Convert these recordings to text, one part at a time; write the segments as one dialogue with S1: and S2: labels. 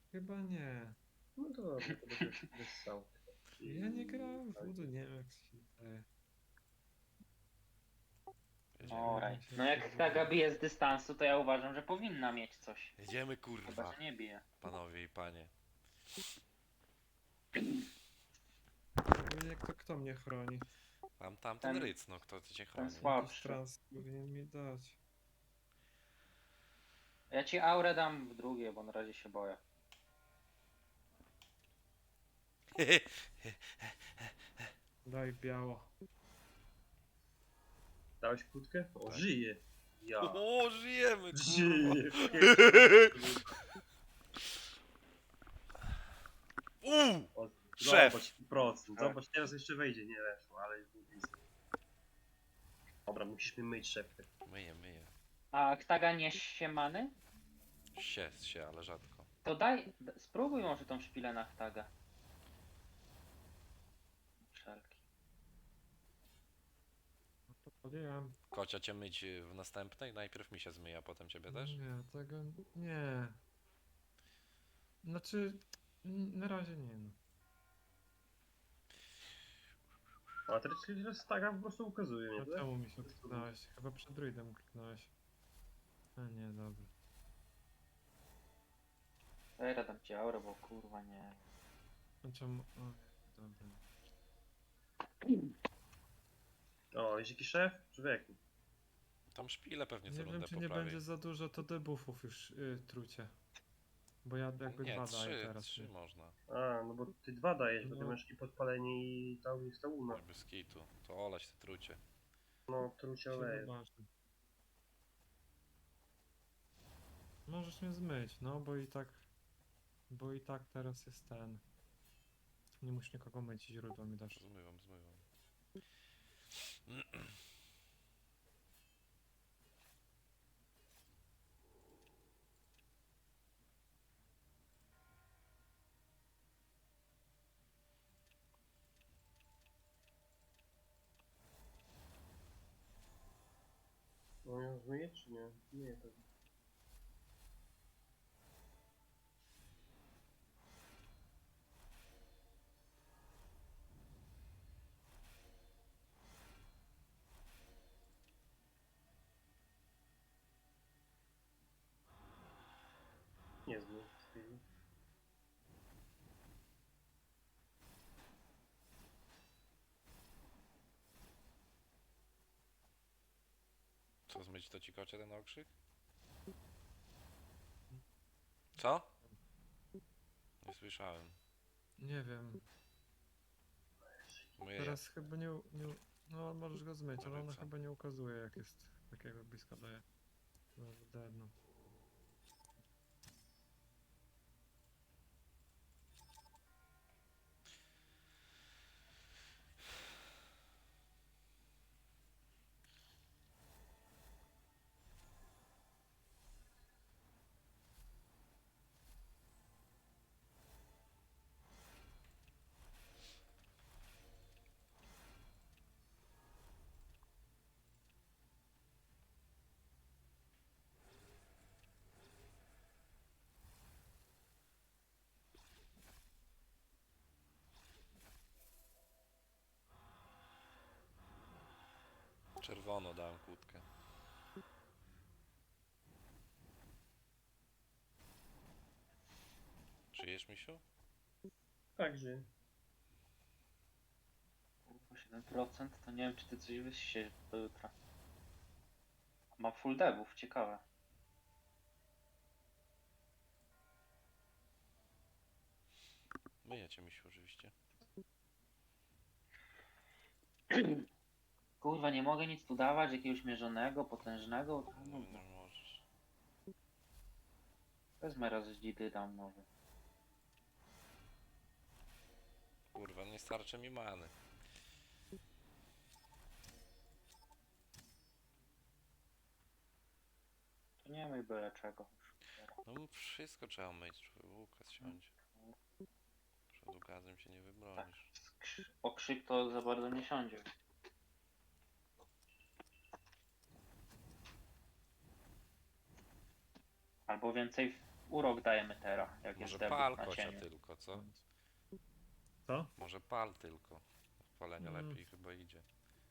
S1: Chyba nie.
S2: No to dobrze, to będę wyssał.
S1: Ja nie grałem w Voodoo, nie wiem jak się daje.
S3: No
S1: Pojawiło
S3: right.
S1: mi się
S3: No
S1: jakieś
S3: jak ta
S1: Voodoo.
S3: bije z dystansu, to ja uważam, że powinna mieć coś.
S4: Jedziemy
S3: Chyba,
S4: kurwa,
S3: że nie bije.
S4: panowie i panie.
S1: Ogólnie kto mnie chroni?
S4: Mam tamten
S3: Ten-
S4: ryc, no kto cię
S3: ten
S4: chroni?
S3: słab.
S1: Jakiś trans powinien mi dać.
S3: Ja ci aurę dam w drugie, bo na razie się boję.
S1: Daj biało.
S2: Dałeś kłódkę? O,
S4: Tak.
S2: żyje. Ja.
S4: O, żyjemy kurwa.
S2: Żyje. O,
S4: Szef.
S2: Zobacz procent. Zobacz, teraz jeszcze wejdzie, nie weszło, ale już był blisko. Dobra, musisz mi myć szepkę.
S4: Myję, myję.
S3: A Ktaga nie siemany?
S4: się, ale rzadko.
S3: To daj, spróbuj może tą szpilę na Ktaga. Wszelki.
S1: No to podjąłem.
S4: Kocia cię myć w następnej? Najpierw mi się zmyje, a potem ciebie też?
S1: Nie, tego nie. Znaczy, na razie nie no.
S2: A teraz taka po prostu ukazuje mnie,
S1: A
S2: tak?
S1: czemu mi się kliknąłeś? Chyba przed druidem kliknąłeś. A nie, dobra.
S3: Teraz dam ci aurę, bo kurwa nie.
S1: A czemu? O, dobra.
S2: O, jest jakiś szef? Człowieku.
S4: Tam szpile pewnie co
S1: Nie wiem,
S4: rundę
S1: czy nie
S4: poprawi.
S1: będzie za dużo to debuffów już trucie. Bo ja jakby
S4: Nie,
S1: dwa daję
S4: trzy,
S1: teraz.
S4: trzy
S1: Nie?
S4: można.
S2: A, no bo ty dwa dajesz, bo ty
S1: No.
S2: masz i podpalenie i tauna.
S4: Żeby z kitu. To olać te trucie.
S2: No, trucie
S1: Się
S2: oleje.
S1: zobaczy. Możesz mnie zmyć, no bo i tak teraz jest ten. Nie musisz nikogo myć, źródło mi dasz.
S4: Zmywam.
S2: No ją zmyje czy nie? Nie, pewnie. Nie zmyje.
S4: Co zmyć to ci kocie ten okrzyk? Co? Nie słyszałem.
S1: Nie wiem.
S4: Myję.
S1: Teraz chyba nie. No możesz go zmyć, ale ona
S4: Ryca.
S1: chyba nie ukazuje jak jest takiego blisko daje. No, derno.
S4: Czerwono dałem kłódkę. Żyjesz, misiu?
S2: Także.
S3: Kurwa 7%, to nie wiem czy ty coś wyście do jutra. Ma full devów, ciekawe.
S4: Myję cię, misiu, oczywiście.
S3: Kurwa, nie mogę nic tu dawać, jakiegoś mierzonego, potężnego.
S4: No, nie możesz.
S3: Wezmę raz z dzidy dam może.
S4: Kurwa, nie starczy mi many.
S3: To nie myj byle czego.
S4: No wszystko trzeba myć, Łukasz siądzie. Przed ukazem się nie wybronisz.
S3: Okrzyk to za bardzo nie siądzie. Albo więcej urok dajemy teraz, jak jest
S4: Może
S3: debut
S4: pal
S3: na
S4: kocia
S3: cieniu.
S4: tylko, co?
S1: Co?
S4: Może pal tylko. Palenia
S1: Mm.
S4: lepiej chyba idzie.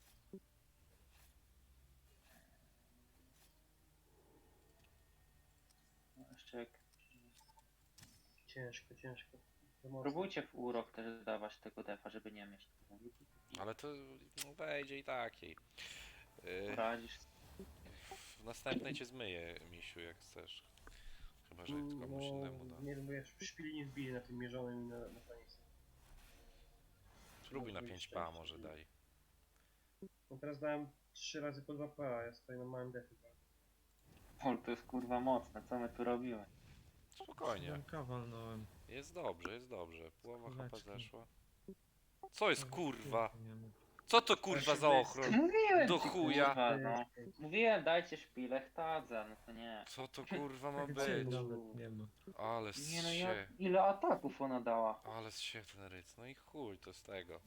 S3: No, jeszcze jak...
S2: Ciężko, ciężko. To mocno.
S3: Próbujcie w urok też dawać tego defa, żeby nie mieć.
S4: Ale to no, wejdzie i takiej.
S3: Poradzisz.
S4: W następnej cię zmyję, misiu, jak chcesz. Chyba, że komuś
S2: No,
S4: innemu da.
S2: nie wiem, bo ja szpili nie wbili na tym mierzonym i na koniec.
S4: Spróbuj na
S2: Może
S4: 5
S2: jeszcze
S4: pa
S2: jeszcze
S4: może
S2: wbili.
S4: daj.
S2: No teraz dałem 3 razy po 2 PA, ja stoję na małym defie.
S3: O, to jest kurwa mocne, co my tu robimy?
S4: Spokojnie.
S1: 7K walnąłem.
S4: Jest dobrze, jest dobrze. Połowa HP
S1: Kuleczki.
S4: zeszła. Co jest
S1: Nawet
S4: kurwa?
S1: piłki nie ma.
S4: Co to kurwa za ochron?
S3: Mówiłem
S4: Do
S3: ci,
S4: chuja.
S3: kurwa, no. Mówiłem, dajcie szpilę, chtadza, no to nie.
S4: Co to kurwa ma
S1: Tak
S4: być?
S1: cień nawet nie ma.
S4: Ale
S3: Nie no, ja...
S4: się.
S3: Ile ataków ona dała?
S4: Ale się ten ryc. No i chuj, to z tego.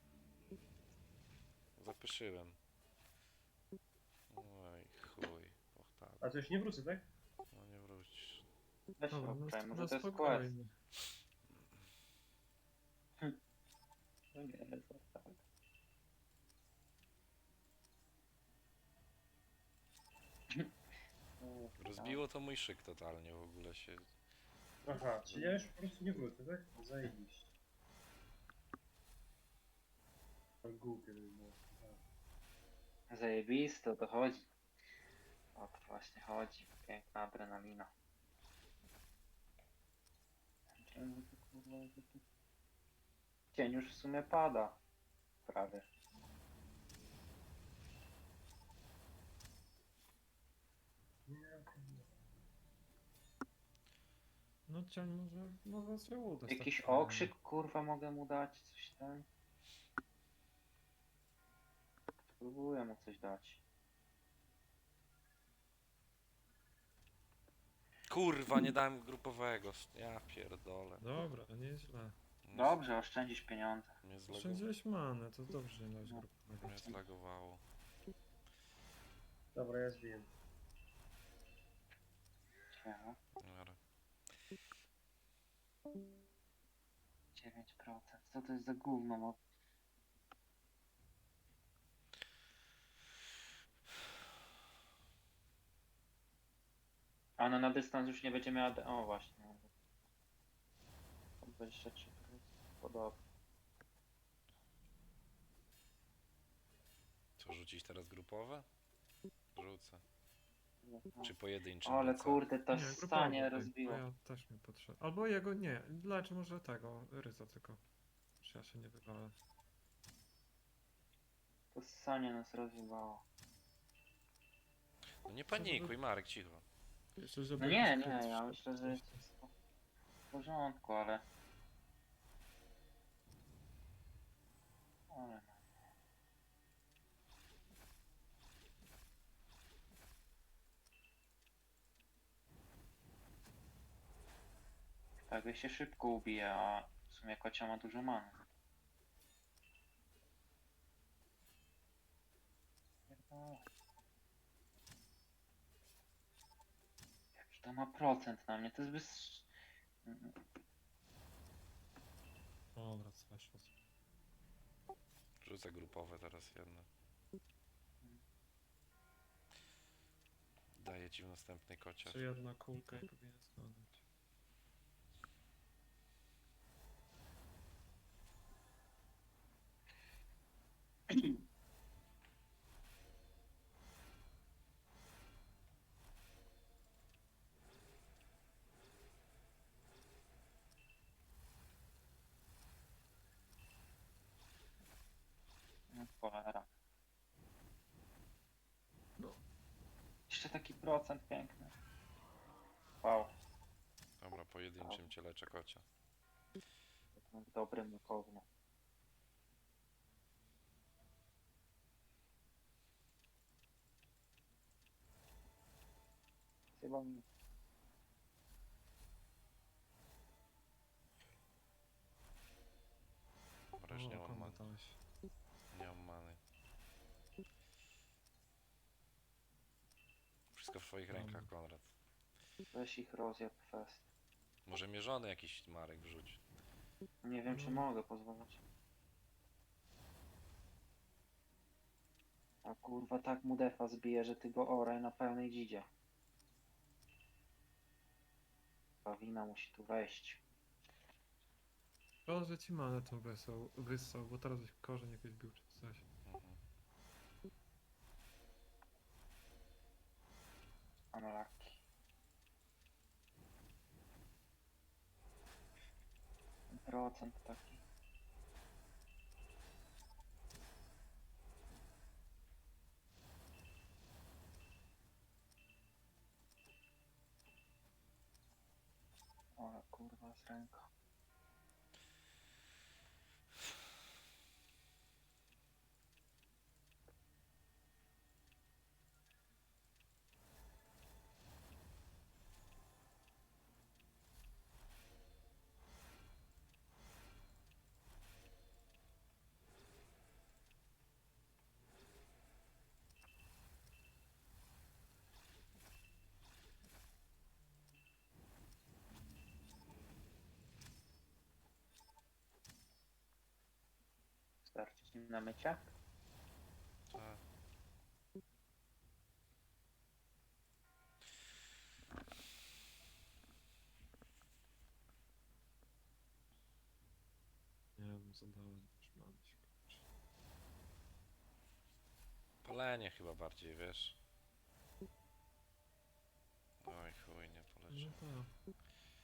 S4: Zapyszyłem. Oj, chuj. Och tak.
S2: A to już nie wrócę, tak?
S4: No nie wrócisz.
S3: Weź
S1: Dobra, no,
S3: obczaj, może
S1: no
S3: to jest quest.
S1: spokojnie.
S3: No nie, to tak.
S4: Rozbiło to mój szyk totalnie w ogóle się.
S2: Aha, czyli ja już po prostu nie wrócę, tak? Zajebiście. To głupie by było.
S3: Zajebiste, o to chodzi. O to właśnie chodzi. Piękna adrenalina. Cień już w sumie pada. Prawie.
S1: No cień może się uda. z
S3: Jakiś
S1: takim
S3: okrzyk kurwa mogę mu dać, coś tam. Spróbuję mu coś dać.
S4: Kurwa, nie dałem grupowego. Ja pierdolę.
S1: Dobra, nieźle.
S4: Mnie
S3: Dobrze, oszczędzisz pieniądze.
S4: Mnie,
S1: Oszczędziłeś manę, to dobrze nie dałeś
S3: No.
S1: grupowego.
S4: mnie zlagowało.
S2: Dobra, ja zbiję.
S3: Ciekawe.
S4: Dobra.
S3: 9%. Co to jest za gówno? No, a ona na dystans już nie będzie miała... O właśnie. 23%. Podobnie.
S4: Co, rzucić teraz grupowe? Rzucę. Czy pojedyncze?
S3: Ale
S4: lecę?
S3: kurde, to
S1: Nie, grupowo,
S3: stanie
S1: bo
S3: rozbiło.
S1: ja też mi potrzeba. Albo jego nie, lecz może tego, ryza tylko. Czy ja się nie wywalę.
S3: To stanie nas rozbiło.
S4: No nie panikuj, Marek, cicho.
S1: Jeszcze, żeby
S3: No nie,
S1: jakiś
S3: nie,
S1: kryt
S3: ja
S1: wszedł,
S3: myślę, że
S1: coś
S3: jest
S1: tam.
S3: wszystko w porządku, ale... Ale no. Tak, się szybko ubije, a w sumie kocia ma dużo many. Pierdolę. Jaki to ma procent na mnie, to jest bez...
S1: Dobra, co weszło.
S4: Rzucę grupowe teraz jedno. Daję ci w następnej kocie.
S1: Czy jedna kółka i powinien zgadać.
S3: No cholera.
S1: No.
S3: Jeszcze taki procent piękny. Wow,
S4: Dobra, pojedynczym cię leczę kocia.
S3: dobry mukowny. Chyba mi...
S4: Dobra, już nie mam
S1: komu
S4: many.
S1: dałeś?
S4: Nie mam many. Wszystko w twoich
S1: Dobra.
S4: rękach, Konrad.
S3: Weź ich rozjeb fest.
S4: Może mierzony jakiś Marek wrzuć.
S3: Nie wiem, czy
S1: No.
S3: mogę pozwalać. A kurwa, tak mu defa zbije, że ty go oraj na pełnej dzidzie. Pawina musi tu wejść.
S1: Szkoda, że ci manę tą wyssał, bo teraz byś korzeń jakoś bił czy coś.
S4: Mhm.
S3: Unlucky. Procent taki. O kurwa, z ręką. Starczy ci na mycie?
S4: Tak.
S1: Nie wiem, zadałem już manę się kończy.
S4: Palenie chyba bardziej, wiesz. Oj chuj, nie poleci.
S1: No tak.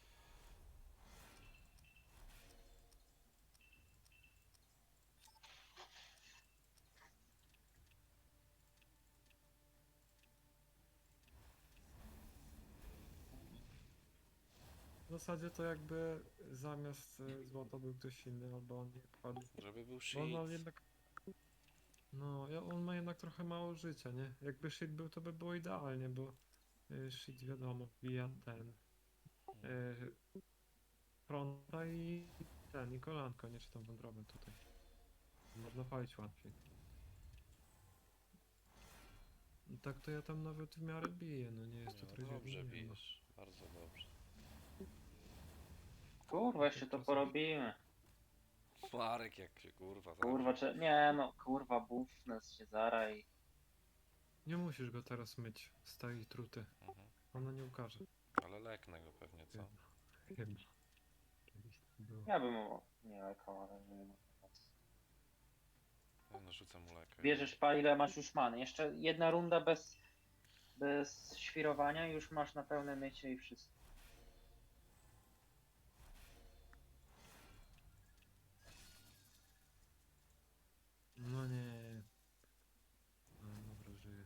S1: W zasadzie to jakby zamiast złota był ktoś inny, albo on nie padł.
S4: Żeby był
S1: Bo on ma
S4: shit.
S1: jednak... No, on ma jednak trochę mało życia, nie? Jakby shit był, to by było idealnie, bo shit wiadomo, wbija ten fronta i ten, i kolanko, nie czy tam wątrobę tutaj. Można palić łatwiej. I tak to ja tam nawet w miarę biję, no nie jest to
S4: No,
S1: trochę
S4: dobrze
S1: nie ma.
S4: bijesz. Bardzo dobrze.
S3: Kurwa, jeszcze to
S1: Czasem-
S3: porobimy.
S4: Marek jak się kurwa
S3: Kurwa,
S4: zawsze.
S3: nie no, kurwa, buffness się zara i...
S1: Nie musisz go teraz myć z tej truty.
S4: Mhm.
S1: Ona nie ukaże.
S4: Ale leknę go pewnie, co?
S1: Chyba. Kiedyś tak było.
S3: Ja bym mu nie lekał, ale nie wiem.
S4: Ja narzucę mu lekę.
S3: Bierzesz pa, ile masz już many. Jeszcze jedna runda bez świrowania i już masz na pełne mycie i wszystko.
S1: No nie. No dobra, żyję.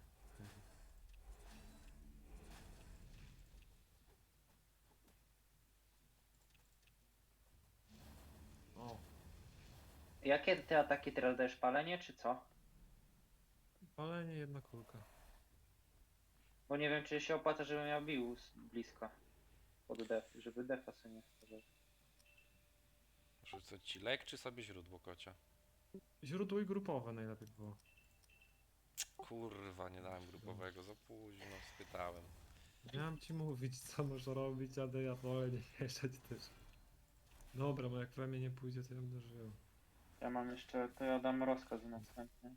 S1: O,
S3: Jakie ty ataki teraz dajesz? Palenie czy co?
S1: palenie jedna kulka.
S3: Bo nie wiem, czy się opłaca, żebym miał bił blisko. Pod def, żeby defa sobie nie wchodził.
S4: Rzucę ci lek, czy sobie źródło kocia?
S1: Źródło i grupowe najlepiej było.
S4: Kurwa, nie dałem grupowego, za późno, spytałem.
S1: Miałem ci mówić, co można robić, ale ja wolę nie mieszać też. Dobra, bo jak we mnie nie pójdzie, to ja będę żył.
S3: Ja mam jeszcze, to ja dam rozkaz następny.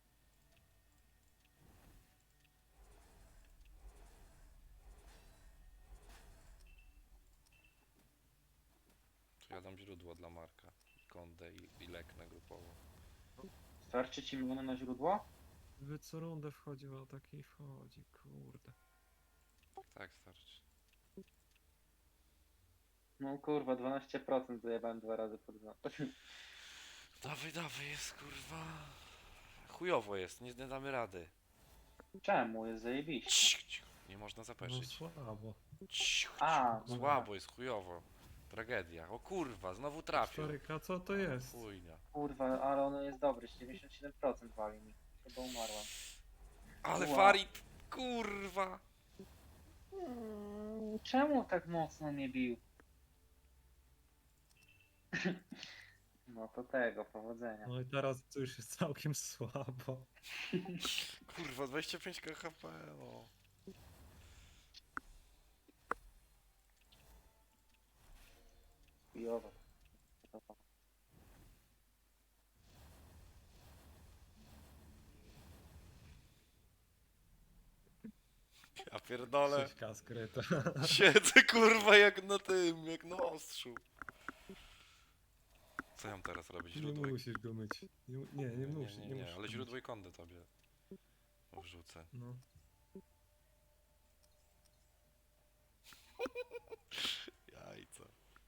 S4: To ja dam źródło dla Marka. Kondę i leknę grupowo.
S3: Starczy ci many na źródło?
S1: Wy co rundę wchodził, a taki wchodzi, kurde.
S4: Tak, starczy.
S3: No kurwa, 12% zajebałem 2 razy pod rząd.
S4: Dawaj, dawaj, jest kurwa. Chujowo jest, nie damy rady.
S3: Czemu? Jest zajebiście.
S4: Cicho, nie można
S1: No
S4: zapeszyć.
S1: słabo.
S3: A,
S1: no.
S4: Słabo jest, chujowo. Tragedia. O kurwa, znowu trafił.
S1: 4K, co to jest?
S4: Chujnia.
S3: kurwa, ale ono jest dobry, 97% wali mi. Chyba umarłem.
S4: Ale
S3: Ła.
S4: Farid, kurwa.
S3: Czemu tak mocno mnie bił? No to tego, powodzenia.
S1: No i teraz to już jest całkiem słabo.
S4: Kurwa, 25 KHP, no.
S3: chujowo.
S4: Ja pierdolę.
S1: 6K skryta.
S4: Siedzę kurwa jak na tym, jak na ostrzu. Co ja mam teraz robić?
S1: Nie
S4: Źródło i...
S1: musisz go myć. Nie musisz.
S4: nie,
S1: Nie, musisz
S4: ale
S1: go
S4: źródło
S1: myć.
S4: i kondę tobie wrzucę.
S1: No.
S4: Jajca.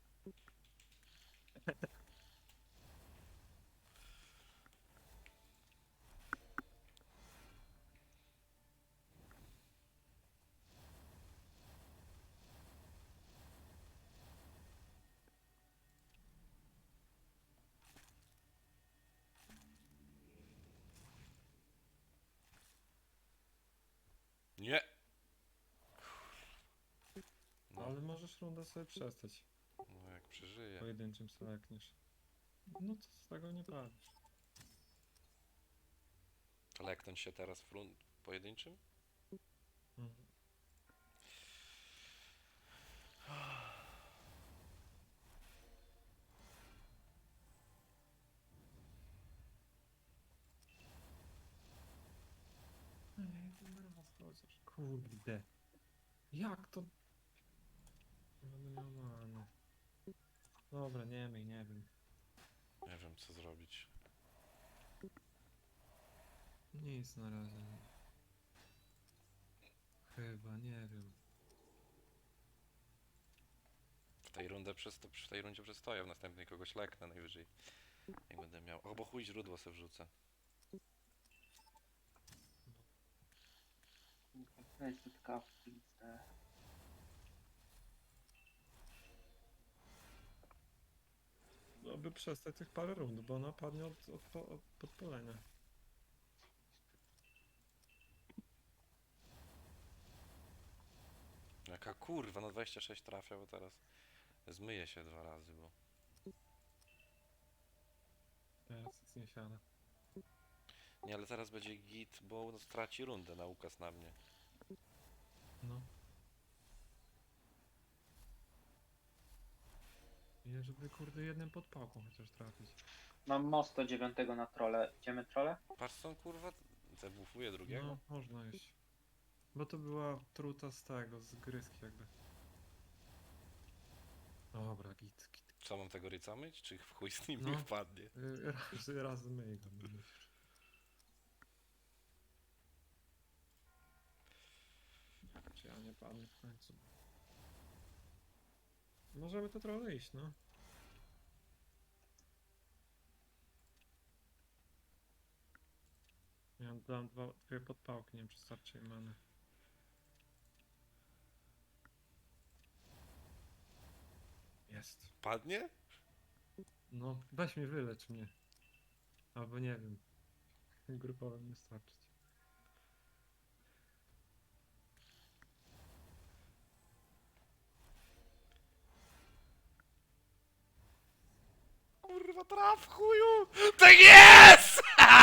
S4: Nie! No,
S1: Ale możesz rundę sobie przestać.
S4: no jak przeżyję.
S1: Pojedynczym selekniesz. No to z tego nie bawisz.
S4: To leknąć się teraz w pojedynczym?
S1: Mhm. Ej, ten raz chociaż. Kurde. Jak to? Nie będę miał many. Dobra, nie wiem.
S4: Nie wiem co zrobić.
S1: Nic na razie. Chyba, nie wiem.
S4: W tej rundzie przestoję, w następnej kogoś leknę najwyżej. Jak będę miał. O, bo chuj źródło sobie wrzucę.
S3: Weź tu tylko wpizdę.
S1: Aby przestać tych parę rund, bo ona padnie od podpalenia.
S4: Jaka kurwa, no 26 trafia, bo teraz zmyję się 2 razy, bo...
S1: Teraz jest niesiana.
S4: Nie, ale teraz będzie git, bo no, straci rundę na ukaz na mnie.
S1: No. I żeby kurde jednym podpałką chociaż trafić.
S3: Mam mosto 9 na trole. Idziemy trole?
S4: Patrz co on kurwa zabufuje drugiego.
S1: No, można iść. Bo to była truta z tego, z gryzki jakby. Dobra, git.
S4: Co mam tego ryca myć? Czy w chuj z nim
S1: No.
S4: nie wpadnie?
S1: Raz myj go, no musisz. Czy ja nie padnę w końcu? Możemy to trochę iść, no. Ja dam dwie podpałki, nie wiem czy starczy im many. Jest.
S4: Padnie?
S1: No, weź mnie, wylecz mnie. Albo nie wiem. Grupowym nie starczyć.
S4: Kurwa traf chuju! Tak jest!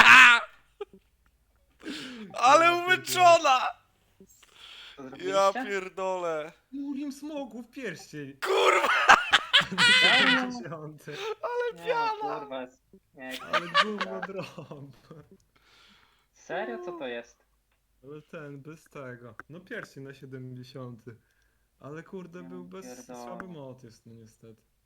S4: Ale umyczona!
S3: Co
S4: Ja
S3: zrobiliście?
S4: pierdolę.
S1: Murim smogu w pierścień!
S4: Kurwa!
S3: Serio?
S1: 10.
S3: Nie, no, kurwa jest. Nie,
S1: Ale gówno drąb.
S3: serio? Co to jest?
S1: Ale ten, bez tego. No pierścień na 70. Ale kurde,
S3: Ja
S1: był bez
S3: pierdolę.
S1: słaby mod jest, no niestety.